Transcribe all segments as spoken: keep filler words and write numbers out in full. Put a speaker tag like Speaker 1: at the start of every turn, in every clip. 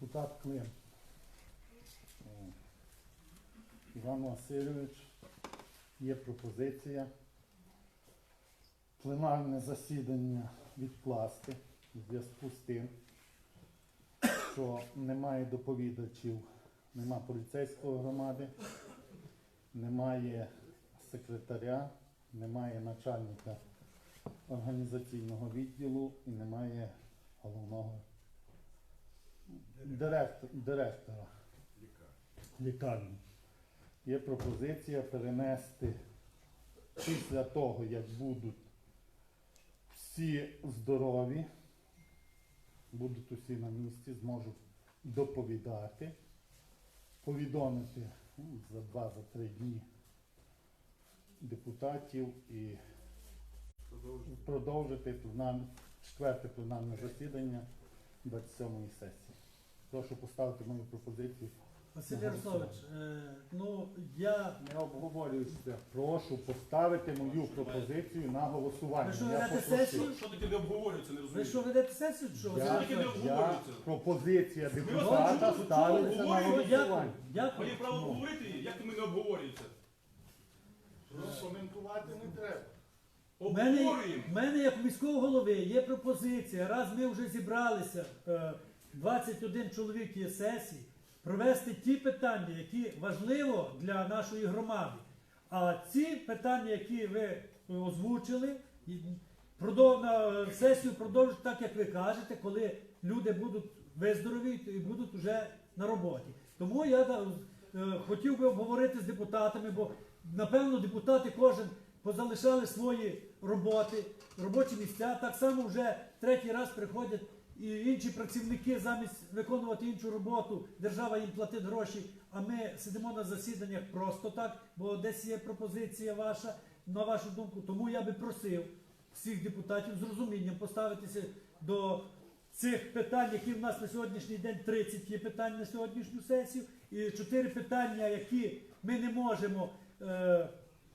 Speaker 1: депутат Клим. Іван Васильович, є пропозиція пленарне засідання відкласти в зв'язку з тим, що немає доповідачів, немає поліцейської громади, немає секретаря, немає начальника організаційного відділу і немає головного директора, директора лікарні. Є пропозиція перенести після того, як будуть всі здорові, будуть усі на місці, зможуть доповідати, повідомити ну, за два-три дні депутатів і продовжити, продовжити пленар... четверте пленарне засідання двадцять сьомої сесії. Прошу поставити мою пропозицію.
Speaker 2: Василь Ярославович, е, ну я...
Speaker 1: Не обговорюється. Прошу поставити мою пропозицію на голосування.
Speaker 2: Ви що,
Speaker 1: Я
Speaker 2: ведете
Speaker 1: попросив.
Speaker 2: сесію?
Speaker 3: Що таке не обговорюється, не
Speaker 2: Ви
Speaker 3: розумію.
Speaker 2: що, ведете сесію? Що?
Speaker 1: Я,
Speaker 2: Василь
Speaker 3: таке не
Speaker 2: Ярославович?
Speaker 1: я,
Speaker 3: обговорюється?
Speaker 1: пропозиція
Speaker 3: вас
Speaker 1: депутата
Speaker 3: чули,
Speaker 1: ставиться
Speaker 3: чули,
Speaker 1: на
Speaker 3: обговорюється?
Speaker 2: Дякую,
Speaker 1: голосування.
Speaker 2: дякую.
Speaker 3: Має право говорити, як ми не обговорюється.
Speaker 4: Коментувати не треба.
Speaker 2: У мене,
Speaker 3: Обговорюємо.
Speaker 2: в мене, як міського голови, є пропозиція, раз ми вже зібралися, е, двадцять один чоловік є сесії, провести ті питання, які важливо для нашої громади. А ці питання, які ви озвучили, і продов- на сесію продовжити так, як ви кажете, коли люди будуть виздоровіти і будуть вже на роботі. Тому я да, е, хотів би обговорити з депутатами, бо напевно депутати кожен позалишали свої роботи, робочі місця. Так само вже третій раз приходять і інші працівники замість виконувати іншу роботу, держава їм платить гроші, а ми сидимо на засіданнях просто так, бо десь є пропозиція ваша, на вашу думку. Тому я би просив всіх депутатів з розумінням поставитися до цих питань, які в нас на сьогоднішній день тридцять є питань на сьогоднішню сесію, і чотири питання, які ми не можемо е,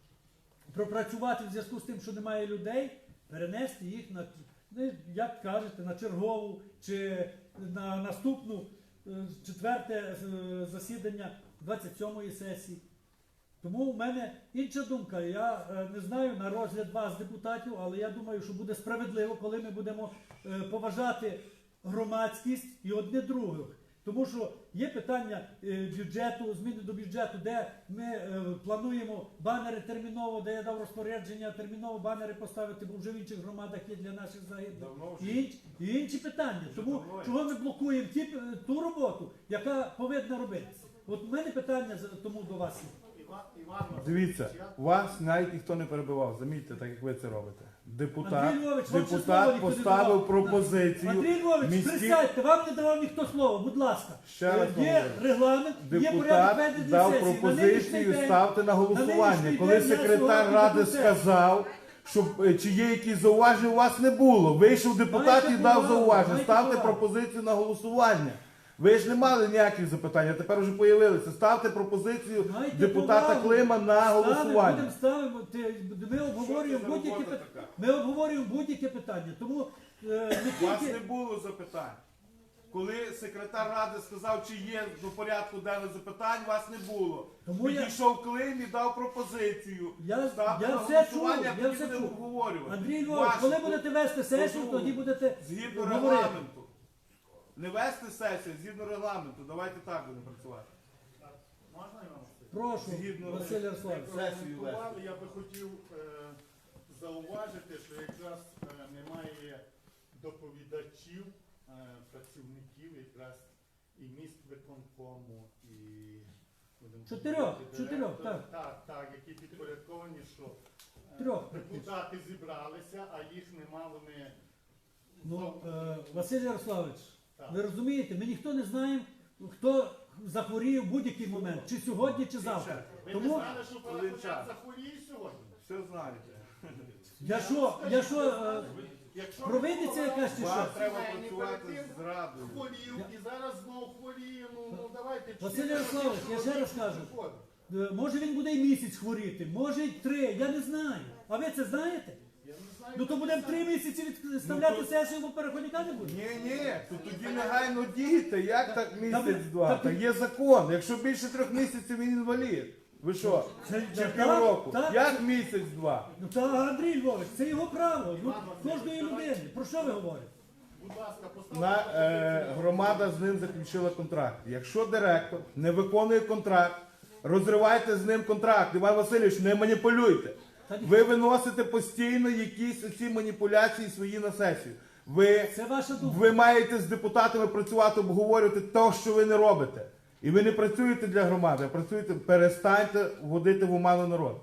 Speaker 2: пропрацювати в зв'язку з тим, що немає людей, перенести їх на, ну, як кажете, на чергову чи на наступну е, четверте е, засідання двадцять сьомої сесії. Тому в мене інша думка. Я е, не знаю на розгляд вас, депутатів, але я думаю, що буде справедливо, коли ми будемо е, поважати громадськість і одне других. Тому що є питання е, бюджету, зміни до бюджету, де ми е, плануємо банери терміново, де я дав розпорядження терміново банери поставити, бо вже в інших громадах є для наших загиблих.
Speaker 3: Давно
Speaker 2: І,
Speaker 3: вже.
Speaker 2: інш- і інші питання. Тому
Speaker 3: давно є.
Speaker 2: чого ми блокуємо ті, е, ту роботу, яка повинна робитися? От у мене питання за- тому до вас є.
Speaker 4: Іван, Іван
Speaker 5: Дивіться,
Speaker 4: Васильович, я-
Speaker 5: вас навіть ніхто не перебивав, замітьте, так як ви це робите. Депутат,
Speaker 2: Андрій Львович, вам ще слово
Speaker 5: депутат
Speaker 2: ніхто не
Speaker 5: поставив
Speaker 2: давав.
Speaker 5: пропозицію.
Speaker 2: Андрій Львович,
Speaker 5: міські-
Speaker 2: присядьте, вам не давав ніхто слова, будь ласка.
Speaker 5: Ще раз
Speaker 2: Є
Speaker 5: говорю.
Speaker 2: регламент, є порядок
Speaker 5: Депутат
Speaker 2: ведення
Speaker 5: дав
Speaker 2: сесії. На нинішній
Speaker 5: пропозицію
Speaker 2: день-
Speaker 5: ставте на голосування.
Speaker 2: нинішній
Speaker 5: Коли
Speaker 2: день я
Speaker 5: секретар
Speaker 2: сьогодні
Speaker 5: ради
Speaker 2: депутат.
Speaker 5: сказав, що е, чи є якісь зауваження, у вас не було. Вийшов депутат
Speaker 2: Маєте
Speaker 5: і дав
Speaker 2: повагу,
Speaker 5: зауваження.
Speaker 2: маєте
Speaker 5: Ставте
Speaker 2: повагу.
Speaker 5: пропозицію на голосування. Ви ж не мали ніяких запитань, а тепер вже появилися. Ставте пропозицію
Speaker 2: Маєте
Speaker 5: депутата
Speaker 2: повагу.
Speaker 5: Клима на
Speaker 2: Ставимо,
Speaker 5: голосування.
Speaker 2: будемо ставимо, ти- ми обговорюємо
Speaker 3: Що це за
Speaker 2: будь-які
Speaker 3: робота
Speaker 2: питання.
Speaker 3: така?
Speaker 2: Ми обговорюємо будь-які питання. Тому е,
Speaker 5: У
Speaker 2: не
Speaker 5: вас
Speaker 2: тільки
Speaker 5: не було запитань. Коли секретар ради сказав, чи є до порядку денного запитань, вас не було.
Speaker 2: Тому я-
Speaker 5: Підійшов Клим і дав пропозицію.
Speaker 2: Я-
Speaker 5: Ставте
Speaker 2: я
Speaker 5: на
Speaker 2: все
Speaker 5: голосування,
Speaker 2: чув,
Speaker 5: а
Speaker 2: я
Speaker 5: тоді
Speaker 2: все
Speaker 5: будемо
Speaker 2: чув.
Speaker 5: обговорювати.
Speaker 2: Андрій Львович,
Speaker 5: Вашу
Speaker 2: коли будете вести сесію,
Speaker 5: позову.
Speaker 2: тоді будете
Speaker 5: Згідно
Speaker 2: говорити.
Speaker 5: регламенту. Не вести сесію, згідно регламенту. Давайте так будемо працювати.
Speaker 4: Можна, Іван Васильович?
Speaker 2: Прошу,
Speaker 5: Згідно-
Speaker 2: Василь Ярославович.
Speaker 5: Сесію
Speaker 4: Прокоментували, я би хотів е, зауважити, що якраз е, немає доповідачів, е, працівників якраз і міськвиконкому, і будемо
Speaker 2: Чотирьох,
Speaker 4: говорити,
Speaker 2: чотирьох,
Speaker 4: директора.
Speaker 2: так.
Speaker 4: Так, так, які підпорядковані, що е,
Speaker 2: Трьох.
Speaker 4: депутати зібралися, а їх нема, вони
Speaker 2: Ну, е, Василь Ярославович,
Speaker 4: Так.
Speaker 2: ви розумієте, ми ніхто не знаємо, хто захворіє в будь-який момент, чи сьогодні, чи завтра.
Speaker 4: ви
Speaker 2: Тому
Speaker 4: не знали, що
Speaker 5: Один
Speaker 4: Павло
Speaker 5: час.
Speaker 4: захворіє сьогодні.
Speaker 5: Все знаєте.
Speaker 2: я що, я що, е,
Speaker 4: Якщо
Speaker 2: провидиться якась чи
Speaker 5: Вам
Speaker 2: що?
Speaker 5: треба
Speaker 4: Сімейний
Speaker 5: працювати
Speaker 4: колектив
Speaker 5: з радою.
Speaker 4: хворів і зараз знову хворіє, ну, ну давайте.
Speaker 2: Василь
Speaker 4: чотири
Speaker 2: Ярославович,
Speaker 4: роки
Speaker 2: я ще раз
Speaker 4: чоловік
Speaker 2: кажу.
Speaker 4: приходить.
Speaker 2: Е, Може він буде і місяць хворіти, може і три, я не знаю. А ви це знаєте?
Speaker 4: Я не знаю.
Speaker 2: Ну то будемо три місяці відставляти сесію, бо переходника не буде.
Speaker 5: Ні, ні, то тоді негайно дійте. Як так
Speaker 2: Та-
Speaker 5: місяць-два?
Speaker 2: та-
Speaker 5: Та є закон. Якщо більше трьох місяців він інвалід. Ви що?
Speaker 2: Це-
Speaker 5: Чи
Speaker 2: так,
Speaker 5: півроку?
Speaker 2: так.
Speaker 5: Як місяць-два?
Speaker 2: Ну та Андрій Львович, це його право. Ну, кожної людини. Про що ви говорите?
Speaker 4: Будь ласка, поставте.
Speaker 5: На, е, громада з ним заключила контракт. Якщо директор не виконує контракт, розривайте з ним контракт. Іван Васильович, не маніпулюйте. Ви виносите постійно якісь оці маніпуляції свої на сесію. Ви,
Speaker 2: Це ваша думка.
Speaker 5: ви маєте з депутатами працювати, обговорювати те, що ви не робите. І ви не працюєте для громади, а працюєте, перестаньте вводити в оману народ.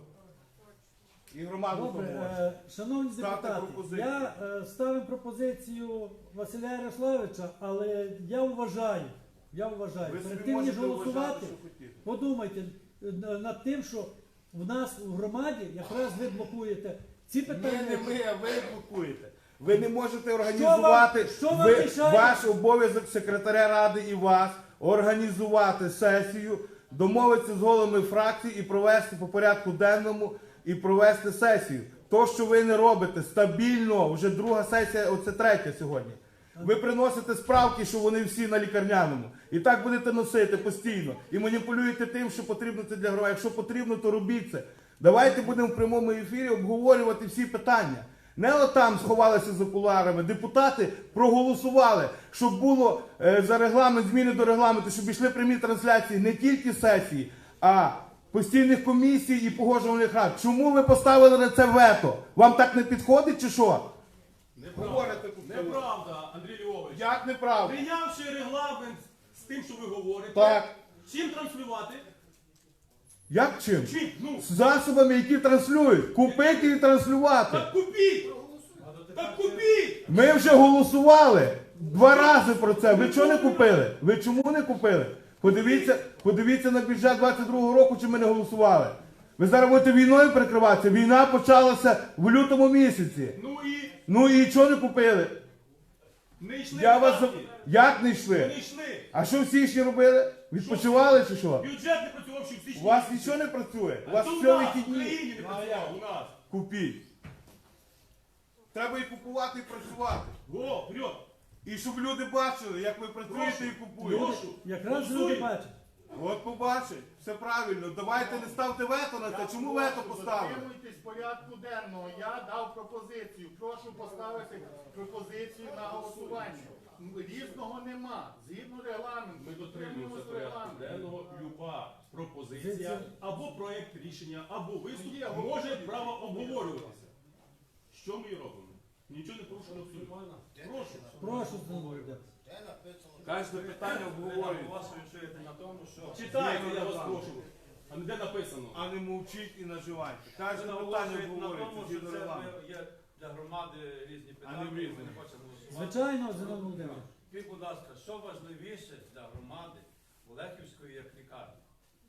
Speaker 5: І громаду
Speaker 2: Добре,
Speaker 5: поможе.
Speaker 2: е, шановні
Speaker 5: Ставте
Speaker 2: депутати,
Speaker 5: пропозицію.
Speaker 2: я е, ставив пропозицію Василя Ярославовича, але я вважаю, я вважаю,
Speaker 5: Ви
Speaker 2: перед
Speaker 5: собі
Speaker 2: тим ніж
Speaker 5: можете
Speaker 2: голосувати,
Speaker 5: вважати, що хотіте.
Speaker 2: подумайте е, над тим, що в нас у громаді якраз ви блокуєте ці
Speaker 5: Ні,
Speaker 2: питання.
Speaker 5: не ми, а ви блокуєте. Ви не можете організувати.
Speaker 2: що вам
Speaker 5: ви,
Speaker 2: мішає?
Speaker 5: ваш обов'язок секретаря ради і вас організувати сесію, домовитися з головами фракцій і провести по порядку денному і провести сесію. То, що ви не робите стабільно, вже друга сесія, оце третя сьогодні. Ви приносите справки, що вони всі на лікарняному. І так будете носити постійно. І маніпулюєте тим, що потрібно це для громади. Якщо потрібно, то робіть це. Давайте будемо в прямому ефірі обговорювати всі питання. Не отам сховалися за кулуарами. Депутати проголосували, щоб було е, за регламент, зміни до регламенту, щоб йшли прямі трансляції не тільки сесії, а постійних комісій і погоджувальних рад. Чому ви поставили на це вето? Вам так не підходить чи що? Говорите тут.
Speaker 3: Неправда, Андрій Львович.
Speaker 5: Як неправда?
Speaker 3: Прийнявши регламент з тим, що ви говорите,
Speaker 5: Так.
Speaker 3: чим транслювати?
Speaker 5: Як чим?
Speaker 3: Чим? Ну,
Speaker 5: З засобами, які транслюють. Купити і транслювати.
Speaker 3: так купіть! Так купіть!
Speaker 5: Ми вже голосували два рази про це. Ви чого не купили? Ви чому не купили? Подивіться, подивіться на бюджет двадцять другого року, чи ми не голосували. Ви зараз будете війною прикриватися. Війна почалася в лютому місяці.
Speaker 3: Ну і
Speaker 5: Ну і чого не купили?
Speaker 3: не йшли
Speaker 5: Я вас...
Speaker 3: видатки.
Speaker 5: Як не
Speaker 3: Не
Speaker 5: йшли?
Speaker 3: йшли.
Speaker 5: А що в січні робили? Відпочивали чи що?
Speaker 3: Бюджет не працював ще в січні.
Speaker 5: У вас нічого не працює. У вас
Speaker 3: То у
Speaker 5: все
Speaker 3: нас, в
Speaker 5: вихідні.
Speaker 3: Україні не працював, у нас.
Speaker 5: Купіть. Треба і купувати, і працювати.
Speaker 3: Во, вперед!
Speaker 5: І щоб люди бачили, як ви працюєте і купуєте.
Speaker 3: Прошу.
Speaker 2: Якраз люди
Speaker 3: Голосуємо.
Speaker 2: бачать.
Speaker 5: От побачить, все правильно. Давайте не ставте вето на це. Чому вето поставили?
Speaker 4: Дотримуйтесь порядку денного. Я дав пропозицію. Прошу поставити пропозицію на голосування. Різного нема. Згідно регламенту.
Speaker 3: Ми дотримуємося
Speaker 4: дотримуємося
Speaker 3: порядку
Speaker 4: регламенту.
Speaker 3: денного. Люба пропозиція
Speaker 2: Це-
Speaker 3: або проєкт рішення, або виступ
Speaker 4: Є,
Speaker 3: може
Speaker 4: говорите.
Speaker 3: право обговорюватися. Що ми і робимо? Нічого не порушено абсолютно. Прошу.
Speaker 2: Прошу, Володя.
Speaker 5: Кожне питання обговорюється.
Speaker 3: Читайте, я вас прошу. А не де написано.
Speaker 5: А не мовчіть і наживайте.
Speaker 6: Ви
Speaker 5: Кожне питання
Speaker 6: наголошуєте на
Speaker 5: обговорюється.
Speaker 6: тому, що
Speaker 5: згідно
Speaker 6: це
Speaker 5: регламенту.
Speaker 6: є для громади різні
Speaker 5: А не
Speaker 6: питання,
Speaker 5: в
Speaker 6: і
Speaker 5: різні.
Speaker 6: ми не хочемо голосувати.
Speaker 2: Звичайно, Зиновій Володимирович.
Speaker 6: Скажіть, будь ласка, що важливіше для громади Олехівської як лікарні?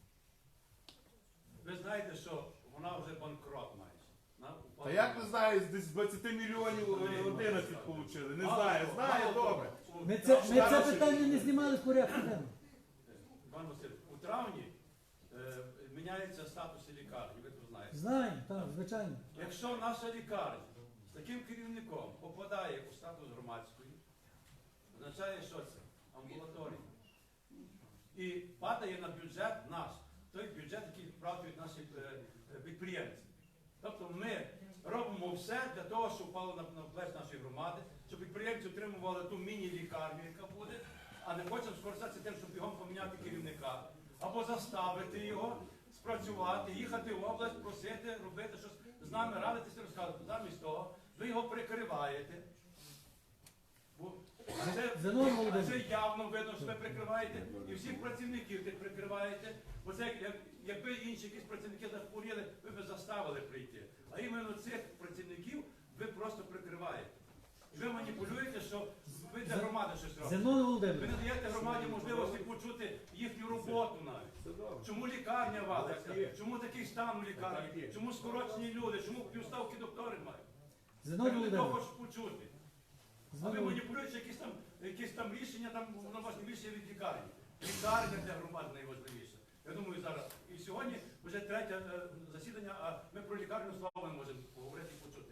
Speaker 6: Ви знаєте, що вона вже банкрот майже. На-
Speaker 5: Та як не знаю, десь з двадцяти мільйонів е, одинадцять отримали. Не знаю, знаю
Speaker 6: Мало того,
Speaker 5: добре.
Speaker 6: у-
Speaker 2: Ми це, ми це
Speaker 5: Зараз-
Speaker 2: питання не знімали з порядку денного.
Speaker 6: Пан Василь, у травні е, міняється статус лікарні, ви це знаєте.
Speaker 2: Знаємо, так, звичайно.
Speaker 6: Якщо наша лікарня з таким керівником попадає у статус громадської, означає, що це? Амбулаторія. І падає на бюджет наш, той бюджет, який вправдують наші е, е, підприємці. Тобто ми робимо все для того, щоб впало на, на плеч нашої громади, щоб підприємці отримували ту міні-лікарню, яка буде, а не хочемо скористатися тим, щоб бігом поміняти керівника, або заставити його спрацювати, їхати в область, просити, робити щось з нами, радитися, розказувати. Замість того, ви його прикриваєте. Бо це,
Speaker 2: Зиновій
Speaker 6: а
Speaker 2: Володимирович.
Speaker 6: це явно видно, що ви прикриваєте, і всіх працівників тих прикриваєте. Бо це як, як, якби інші якісь працівники захворіли, ви б заставили прийти. А іменно цих працівників ви просто прикриваєте. І ви маніпулюєте, що ви для громади щось робите.
Speaker 2: Зиновій
Speaker 6: Ви
Speaker 2: Володимирович.
Speaker 6: не даєте громаді можливості почути їхню роботу навіть. Чому лікарня валиться? Чому такий стан у лікарні? Чому скорочені люди? Чому півставки доктори мають?
Speaker 2: Зиновій
Speaker 6: Я не
Speaker 2: Володимирович.
Speaker 6: хочеш почути. А ви
Speaker 2: Зиновій-
Speaker 6: маніпулюєте якісь там, якісь там рішення, там воно важливіше від лікарні. Лікарня для громади найважливіше. Я думаю, зараз. І сьогодні вже третє е, засідання, а ми про лікарню слава не можемо поговорити і почути. Бо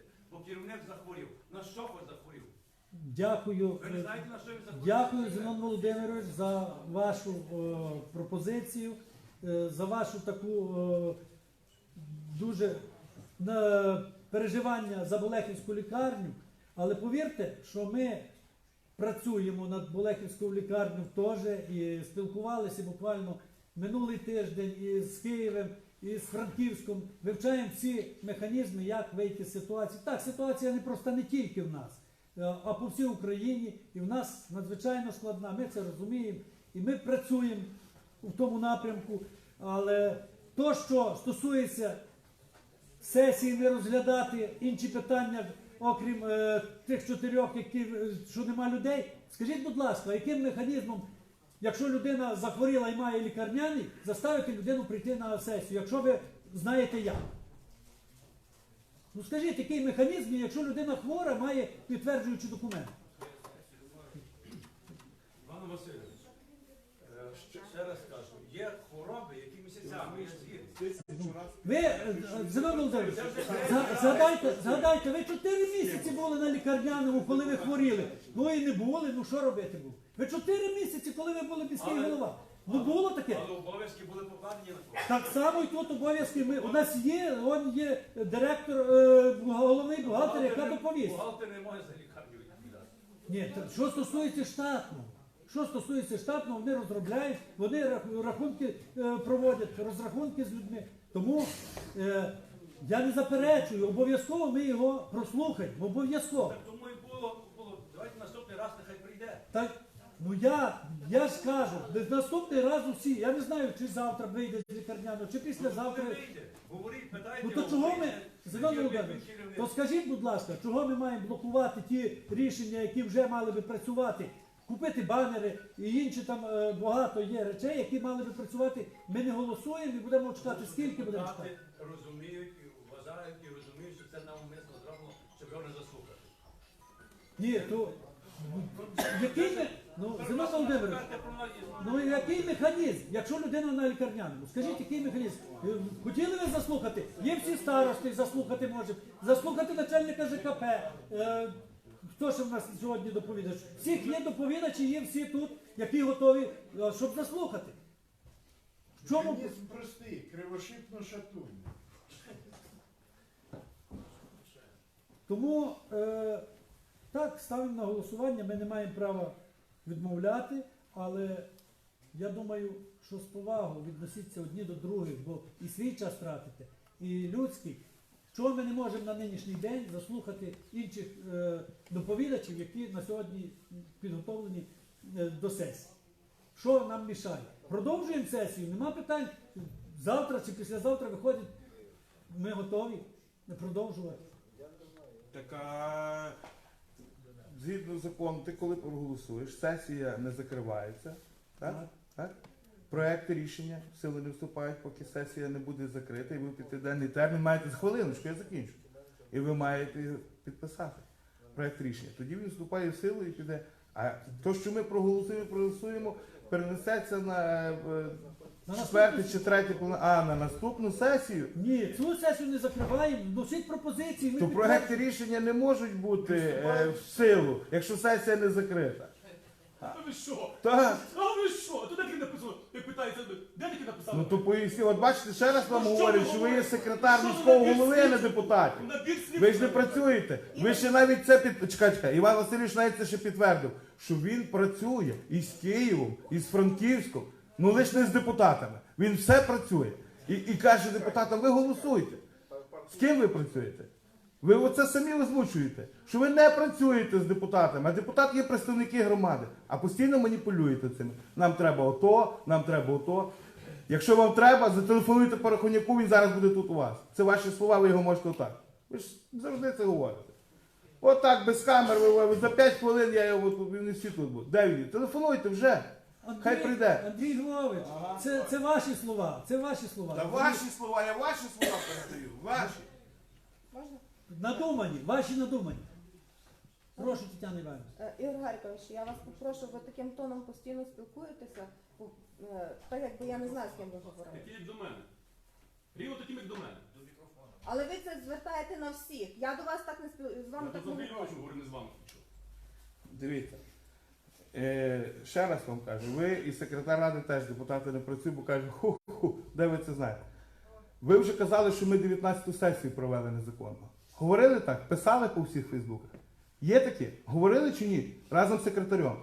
Speaker 6: керівник захворів. На що хоч захворів?
Speaker 2: Дякую.
Speaker 6: Ви не знаєте, на що він захворів?
Speaker 2: Дякую, Зенон Володимирович, за вашу е, пропозицію, е, за вашу таку е, дуже е, переживання за Болехівську лікарню. Але повірте, що ми працюємо над Болехівською лікарнею теж і спілкувалися буквально минулий тиждень із Києвом, і з Франківськом, вивчаємо всі механізми, як вийти з ситуації. Так, ситуація не просто не тільки в нас, а по всій Україні, і в нас надзвичайно складна, ми це розуміємо, і ми працюємо в тому напрямку, але то, що стосується сесії, не розглядати інші питання, окрім е, тих чотирьох, які, е, що нема людей, скажіть, будь ласка, яким механізмом, якщо людина захворіла і має лікарняний, заставити людину прийти на сесію, якщо ви знаєте як? Ну скажіть, який механізм, якщо людина хвора, має підтверджуючий документ?
Speaker 6: Іван Васильович, е, ще- ще раз кажу, є хвороби, які місяцями, я згідний.
Speaker 2: Ви, е, Зенон Володимирович, за- згадайте, згадайте, ви чотири місяці були на лікарняному, коли ви хворіли. Ну і не були, ну що робити було? Ви чотири місяці, коли ви були міський
Speaker 6: Але-
Speaker 2: голова. Ну було таке.
Speaker 6: Але обов'язки були покладені на кого?
Speaker 2: Так само і тут обов'язки. Ми, у нас є, он є директор, е, головний бухгалтер, яка доповість.
Speaker 6: Бухгалтер не може за лікарню відповідати.
Speaker 2: Ні, та що стосується штатного, що стосується штатного, вони розробляють, вони рах- рахунки е, проводять, розрахунки з людьми. Тому е, я не заперечую, обов'язково ми його прослухаємо, обов'язково.
Speaker 6: Так тому і було, було. Давайте наступний раз нехай прийде.
Speaker 2: Так, ну я, я ж кажу, десь наступний раз усі, я не знаю, чи завтра вийде з лікарняного, чи післязавтра.
Speaker 6: Ну, вийде. Говоріть, питайте.
Speaker 2: Ну то
Speaker 6: його,
Speaker 2: чого ми,
Speaker 6: вийде.
Speaker 2: Зенон
Speaker 6: Тоді
Speaker 2: Володимирович,
Speaker 6: він керівник.
Speaker 2: то скажіть, будь ласка, чого ми маємо блокувати ті рішення, які вже мали би працювати? Купити банери і інші там е, багато є речей, які мали би працювати. Ми не голосуємо і будемо чекати. Скільки будемо чекати?
Speaker 6: Депутати розуміють і вважають і розуміють, що це навмисно зроблено, щоб його не заслухати.
Speaker 2: Ні, то який ми, ну, Зенон Володимирович, ну який механізм, якщо людина на лікарняному? Скажіть, який механізм? Е, Хотіли ви заслухати? Є всі старости, заслухати можемо. Заслухати начальника ЖКП. Е, Хто ж в нас сьогодні доповідач? Всіх є доповідачі, є всі тут, які готові, е, щоб заслухати. В чому?
Speaker 4: Механізм простий, кривошипно шатуй.
Speaker 2: Тому е, так, ставимо на голосування, ми не маємо права відмовляти, але я думаю, що з повагою відносіться одні до других, бо і свій час тратите, і людський. Чого ми не можемо на нинішній день заслухати інших е, доповідачів, які на сьогодні підготовлені е, до сесії? Що нам мішає? Продовжуємо сесію, нема питань. Завтра чи післязавтра виходить, ми готові продовжувати.
Speaker 5: Так, а, згідно закону, ти коли проголосуєш, сесія не закривається, так?
Speaker 2: Так.
Speaker 5: Так? Проекти рішення в силу не вступають, поки сесія не буде закрита, і ви в п'ятиденний термін маєте хвилиночку, я закінчу. І ви маєте підписати проект рішення. Тоді він вступає в силу і піде. А то, що ми проголосуємо, проголосуємо, перенесеться на е,
Speaker 2: На
Speaker 5: четверте
Speaker 2: наступну-
Speaker 5: чи третє, повно- а на наступну сесію.
Speaker 2: Ні, цю сесію не закриваємо, носіть пропозиції. ми
Speaker 5: То
Speaker 2: підтверджуємо.
Speaker 5: проекти рішення не можуть бути е, в силу, якщо сесія не закрита.
Speaker 3: Та ви що?
Speaker 5: Так.
Speaker 3: А ви що? То де таке написано? Як питається, де таке написано?
Speaker 5: Ну то поясні, от бачите, ще раз вам
Speaker 3: Ну, що
Speaker 5: говорю,
Speaker 3: ви
Speaker 5: що ви є
Speaker 3: говорите?
Speaker 5: секретар
Speaker 3: Що ви
Speaker 5: міського
Speaker 3: набір
Speaker 5: голови, а не
Speaker 3: слів?
Speaker 5: депутатів.
Speaker 3: Набір слів.
Speaker 5: Ви ж не працюєте. Ви ще навіть це під... Чекай, чекай. Іван Васильович навіть це ще підтвердив, що він працює із Києвом, із Франківськом, ну лише не з депутатами. Він все працює. І, і каже депутатам, ви голосуйте. З ким ви працюєте? Ви оце самі озвучуєте, що ви не працюєте з депутатами, а депутати є представники громади, а постійно маніпулюєте цим. Нам треба ото, нам треба ото. Якщо вам треба, зателефонуйте Порохоняку, він зараз буде тут у вас. Це ваші слова, ви його можете отак. Ви ж завжди це говорите. Отак, без камер, ви, ви за п'ять хвилин я його тут, він не всі тут буде. Де він? Телефонуйте вже. Хай прийде.
Speaker 2: Андрій Львович, це, це ваші слова, це ваші слова.
Speaker 5: Та ваші слова, я ваші слова передаю. Ваші.
Speaker 7: Можна?
Speaker 2: Надумані, ваші надумані. Прошу, Тетяна Іванівна.
Speaker 7: Е, Ігор Гаркович, я вас попрошу, ви таким тоном постійно спілкуєтеся, е, так якби я не знаю, з ким ви говорите.
Speaker 3: Такі як до мене. Рівно таким, як до мене.
Speaker 7: Але ви це звертаєте на всіх. Я до вас так не спіл... з вами
Speaker 3: Я
Speaker 7: так
Speaker 3: до
Speaker 7: не
Speaker 3: Андрія
Speaker 7: говорю.
Speaker 3: говорю, не з вами хочу.
Speaker 5: Дивіться. Е, ще раз вам кажу, ви і секретар ради теж депутати не працюють, бо кажуть, ху-ху, де ви це знаєте? Ви вже казали, що ми дев'ятнадцяту сесію провели незаконно. Говорили так? Писали по всіх фейсбуках? Є такі? Говорили чи ні? Разом з секретарем.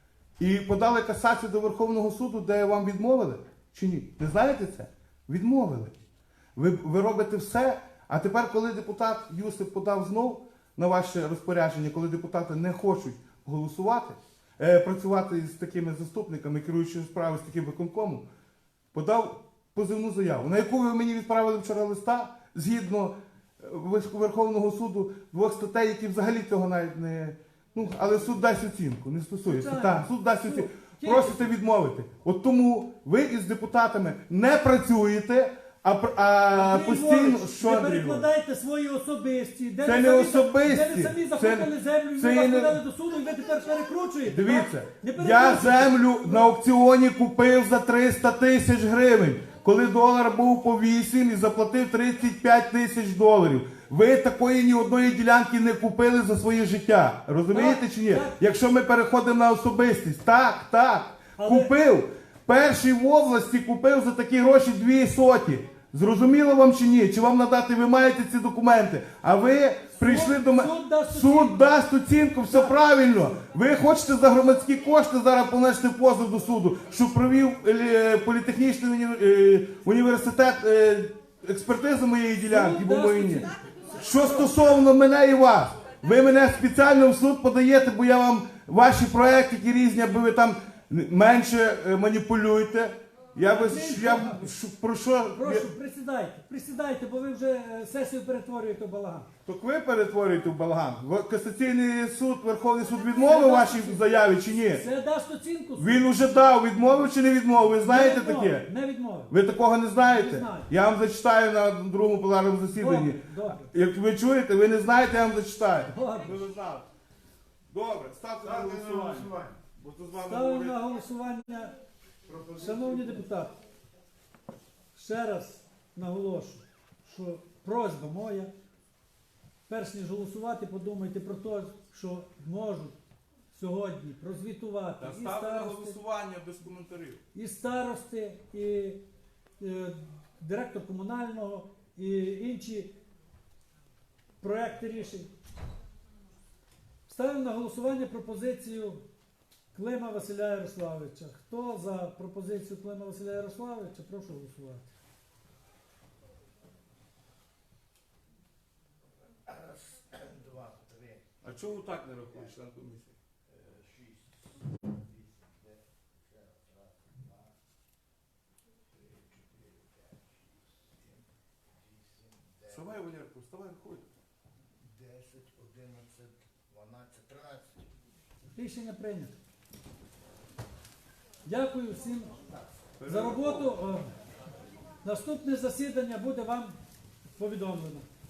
Speaker 5: І подали касацію до Верховного суду, де вам відмовили? Чи ні? Не знаєте це? Відмовили. Ви, ви робите все, а тепер, коли депутат Юсип подав знов на ваше розпорядження, коли депутати не хочуть голосувати, е, працювати з такими заступниками, керуючи справи з таким виконкомом, подав позивну заяву, на яку ви мені відправили вчора листа, згідно Верховного суду, двох статей, які взагалі цього навіть не... Ну, але суд дасть оцінку, не стосується.
Speaker 2: Так.
Speaker 5: Так, суд дасть
Speaker 2: Суд.
Speaker 5: оцінку.
Speaker 2: Тільки-
Speaker 5: Просите відмовити. От тому ви із депутатами не працюєте, а, пр- а
Speaker 2: Андрій
Speaker 5: постійно...
Speaker 2: Львович,
Speaker 5: Що,
Speaker 2: не
Speaker 5: Андрій Львович?
Speaker 2: перекладайте свої особисті. Де
Speaker 5: Це
Speaker 2: ви
Speaker 5: не
Speaker 2: самі-
Speaker 5: особисті.
Speaker 2: Де ви самі
Speaker 5: Це-
Speaker 2: захопили землю, і
Speaker 5: це
Speaker 2: ви
Speaker 5: є
Speaker 2: вас
Speaker 5: не-
Speaker 2: подали до суду, і ви тепер перекручуєте.
Speaker 5: Дивіться,
Speaker 2: так? Не
Speaker 5: я
Speaker 2: перекручуйте.
Speaker 5: землю на аукціоні купив за триста тисяч гривень, коли долар був по вісім і заплатив тридцять п'ять тисяч доларів. Ви такої ні одної ділянки не купили за своє життя. Розумієте
Speaker 2: Так,
Speaker 5: чи ні?
Speaker 2: так.
Speaker 5: Якщо ми переходимо на особистість, так, так,
Speaker 2: Але-
Speaker 5: купив. Перший в області купив за такі гроші дві соті. Зрозуміло вам чи ні? Чи вам надати, ви маєте ці документи? А ви прийшли до мене.
Speaker 2: суд дасть
Speaker 5: Суд
Speaker 2: оцінку.
Speaker 5: дасть оцінку, все правильно. Ви хочете за громадські кошти зараз понести позов до суду, що провів е, політехнічний уні- е, університет е, експертизу моєї ділянки,
Speaker 2: Суд
Speaker 5: бо
Speaker 2: дасть
Speaker 5: мої ні.
Speaker 2: оцінку.
Speaker 5: Що стосовно мене і вас, ви мене спеціально в суд подаєте, бо я вам ваші проекти які різні, аби ви там менше е, маніпулюєте. Я би я б- що- про що
Speaker 2: Прошу, присідайте, присідайте, бо ви вже е, сесію перетворюєте в балаган.
Speaker 5: так ви перетворюєте в балаган. В- Касаційний суд, Верховний суд відмовив вашій заяві чи ні?
Speaker 2: Це дасть оцінку суд.
Speaker 5: Він уже дав, відмовив чи не відмовив? Ви знаєте
Speaker 2: Не відмовив,
Speaker 5: таке?
Speaker 2: Не відмовив.
Speaker 5: Ви такого не знаєте?
Speaker 2: Не знаю.
Speaker 5: Я вам зачитаю на другому пленарному засіданні.
Speaker 2: Добре, добре.
Speaker 5: Як ви чуєте, ви не знаєте, я вам зачитаю.
Speaker 2: Добре.
Speaker 5: Ви не знали. Добре, ставте на голосування. Бо тут з вами
Speaker 2: Ставимо
Speaker 5: говорити.
Speaker 2: на голосування. Шановні депутати, ще раз наголошую, що просьба моя, перш ніж голосувати, подумайте про те, що можуть сьогодні прозвітувати
Speaker 5: Та
Speaker 2: і
Speaker 5: ставте на
Speaker 2: старости,
Speaker 5: голосування без коментарів.
Speaker 2: і старости, і е, директор комунального, і інші проекти рішень. Ставимо на голосування пропозицію Клима Василя Ярославовича. Хто за пропозицію Клима Василя Ярославовича, прошу голосувати.
Speaker 5: А чого так не рахуєш, член комісії? Вставай, Валерко, вставай, рахуй.
Speaker 4: десять, одинадцять, дванадцять, тринадцять.
Speaker 2: Рішення прийнято. Дякую всім за роботу. Е, Наступне засідання буде вам повідомлено.